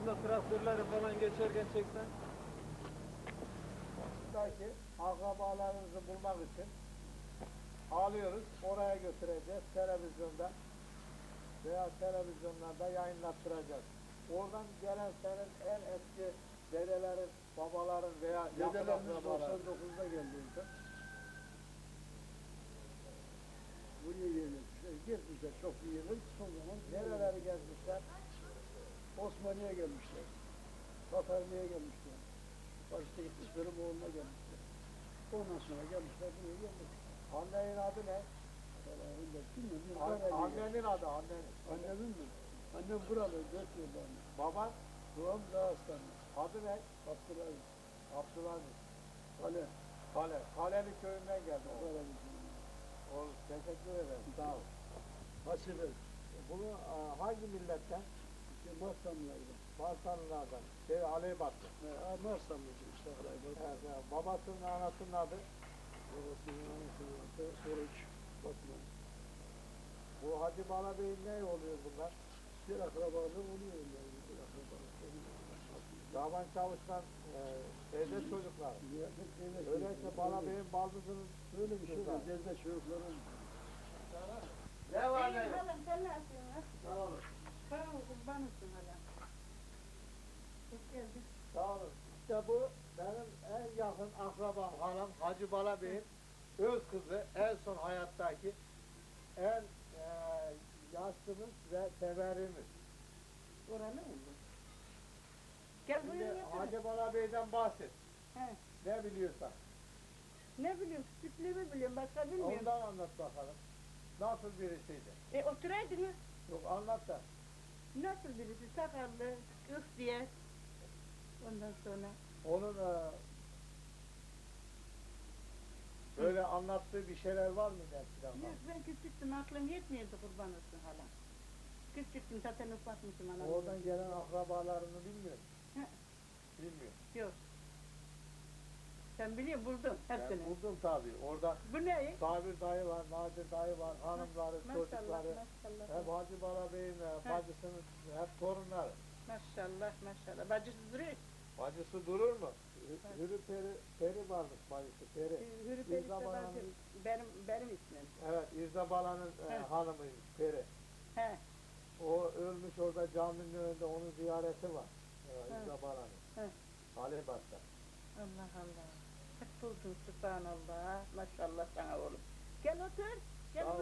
da traktörleri falan geçerken çeksen. Buradaki akrabalarınızı bulmak için alıyoruz, oraya götüreceğiz televizyonda veya televizyonlarda yayınlattıracağız. Oradan gelen senin en eski dedelerin, babaların veya Dedelerimiz akrabaların 99'da geldiğinde buraya gelmişler. Gezmişler çok iyi yerler. Son zaman nereleri gezmişler? Osmaniye gelmişler. Tatarlı'ya gelmişler. Başta gitmişleri Moğol'una gelmişler. Ondan sonra gelmişler buraya gelmişler. Annenin adı ne? Bilmiyorum. Annenin adı, annenin. Annemin mi? Annem buralı, 4 yılda anne. Baban Babam Dağıstanlı. adı ne? Abdülaziz. Abdülaziz. Kale. Kale. Kaleli köyünden geldi. Kale. Oğlum teşekkür ederim. Sağ ol. Hasibe. Bunu hangi milletten? Marsanlılardan. Marsanlılardan. Aleybatlı. Marsanlıcı işte Aleybat. Evet, evet. Babasının anasının adı. Babasının anasının adı Oruç. Batman. Bu Hacı Bala Bey'in ne oluyor bunlar? Bir akrabalığı oluyor yani. Bir akrabalığı. Şaban Çavuş'tan teyze çocuklar. Öyleyse Bala Bey'in baldızının Böyle bir şey var. Gezde çocukların. ne var ne? Halam sen nasılsın? Sağ olun. Sağ ol, kurbanısın halam. Hoş geldin. Sağ olun. İşte bu benim en yakın akrabam hanım Hacı Bala Bey'in öz kızı, en son hayattaki en yaşlımız ve severimiz. Oranı mı bu? Gel Şimdi buraya getir. Hacı Bala Bey'den bahset. He. Ne biliyorsan. Ne biliyorum, küçüklüğümü biliyorum, başka bilmiyorum. Ondan anlat bakalım. Nasıl birisiydi? Oturaydınız. Yok anlat da. Nasıl birisi? Sakallı, ıh diye. Ondan sonra. Onun böyle anlattığı bir şeyler var mı eskiden? Yok, ben küçüktüm, aklım yetmiyordu kurban olsun halam. Küçüktüm, zaten ufakmışım anam. Oradan gelen akrabalarını bilmiyor musun? He. Bilmiyor. Yok. Sen biliyor buldum hepsini. Ben buldum tabii. Orada Bu ne? Sabir dayı var, Nadir dayı var, hanımları, çocukları. Maşallah. Hep Hacı Bala Bey'in bacısının hep torunları. Maşallah. Bacısı duruyor. Bacısı durur mu? Hürü peri varmış bacısı, peri. Hürü Perisi İrza Bala'nın- benim ismim. Evet, İrza Bala'nın hanımıymış, peri. He. O ölmüş orada caminin önünde, onun ziyareti var. İrza Bala'nın. He. Aleybat'ta. Allah. Hep buldun subhanallah. Maşallah sana oğlum. Gel otur. Gel. Sağ ol.